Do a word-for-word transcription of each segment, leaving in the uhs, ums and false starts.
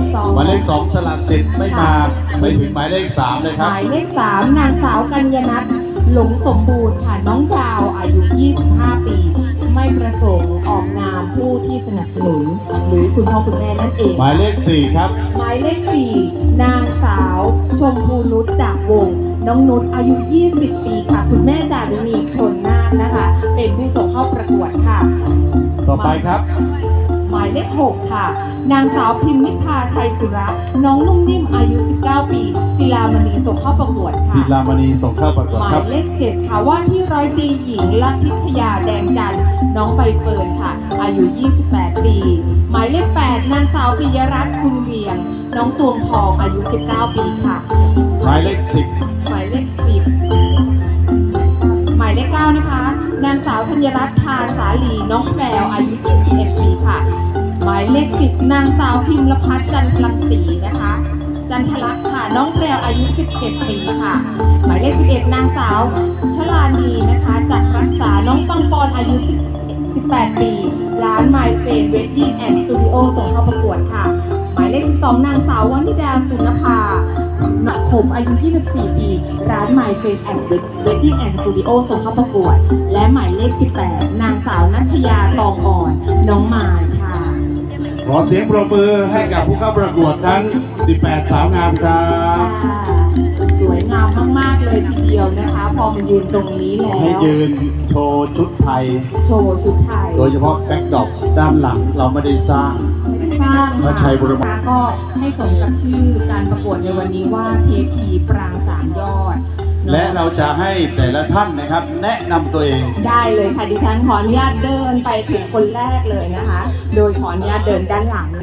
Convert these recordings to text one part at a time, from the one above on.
สองหมายเลขสองสลัดสิทธิ์ไม่มาไม่ถึงหมายเลขสามเลยคหรับมายเลขสามนางสาวกัญญนัทหลงสมบูรณ์ค่ะน้องดาวอายุยี่สิบห้าปีไม่ประสงค์ออกนามผู้ที่สนับสนุนหรือคุณพ่อคุณแม่นั่นเองหมายเลขสี่ครับหมายเลขสี่นางสาวชมพูนุชจากวงน้องนุชอายุยี่สิบปีค่ะคุณแม่จารุณีชนนาคนะคะเป็นผู้ส่งเข้าประกวดค่ะต่อไปครับหมายเลขหกค่ะนางสาวพิมนิพาชัยสุระน้องนุ่มนิ่มอายุสิบเก้าปีศิลามณีส่งเข้าประกวดค่ะศิลามณีส่งเข้าประกวดหมาครัยบเลขเจ็ดค่ะว่าที่ร้อยตรีหญิงลัทธิชยาแดงจันทร์น้องใบเฟิร์นค่ะอายุยี่สิบแปดปีหมายเลขแปดนางสาวปิยรัตน์คุณเวียงน้องตวงทองอายุสิบเก้าปีค่ะหมายเลขสิบหมายเลขสิบหมายเลขเก้านะคะนางสาวธัญรัตน์ทาสาลีน้องแพรวอายุยี่สิบเอ็ดปีค่ะหมายเลขสิบนางสาวพิมรพัฒน์จันทรังสีนะคะจันทลักษณ์ค่ะน้องแพรวอายุสิบเจ็ดปีค่ะหมายเลขสิบเอ็ดนางสาวชลานีนะคะจักรรักษาน้องปังปอนอายุสิบแปดปีร้านไมเฟนเวดดิ้งแอนด์สตูดิโอส่งเข้าประกวดค่ะหมายเลขสิบสองนางสาววนิดาสุนภาหนักผมอายุยี่สิบสี่ปีร้านไมเฟนแอนด์เวดดิ้งแอนด์สตูดิโอส่งเข้าประกวดและหมายเลขสิบแปดนางสาวนัชยาตองอ่อนน้องมายค่ะขอเสียงปรบมือให้กับผู้เข้าประกวดทั้งสิบแปดสาวงามครับสวยงามมากๆเลยทีเดียวนะคะพอมายืนตรงนี้แล้วให้ยืนโชว์ชุดไทยโชว์ชุดไทยโดยเฉพาะแบ็คดรอปด้านหลังเราไม่ได้สร้างสร้างพระชัยบรมค่ะก็ให้สมกับชื่อการประกวดในวันนี้ว่าเทพีปรางสามยอดและเราจะให้แต่ละท่านนะครับ แนะนำตัวเองได้เลยค่ะดิฉันขออนุญาตเดินไปถึงคนแรกเลยนะคะ โดยขออนุญาตเดินด้านหลัง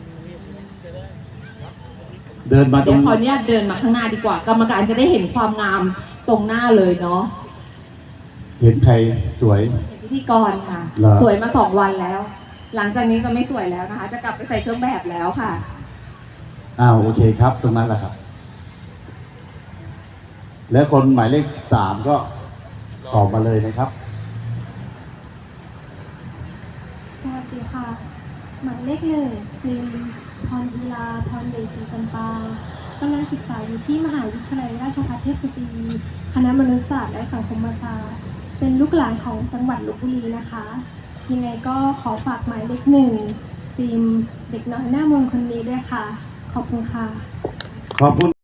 เดินมาตรเดี๋ยวงขออนุญาตเดินมาข้างหน้าดีกว่า กรรมการจะได้เห็นความงามตรงหน้าเลยเนาะเห็นใครสวยพิธีกรค่ะเหรอสวยมาสองวันแล้ว หลังจากนี้จะไม่สวยแล้วนะคะ จะกลับไปใส่เครื่องแบบแล้วค่ะอ้าวโอเคครับ ตรงนั้นแหละครับ และคนหมายเลขสามก็ตอบมาเลยนะครับสวัสดีค่ะ หมายเลขหนึ่งซิมพรอีลาพรเดชศรีจำปากำลังศึกษาอยู่ที่มหาวิทยาลัยราชภัฏเทพสตรีคณะมนุษยศาสตร์และสังคมศาสตร์เป็นลูกหลานของจังหวัดลพบุรีนะคะ ยังไงก็ขอฝากหมายเลขหนึ่งซิมเด็กน้อยหน้ามนต์คนนี้ด้วยค่ะ ขอบคุณค่ะขอบคุณ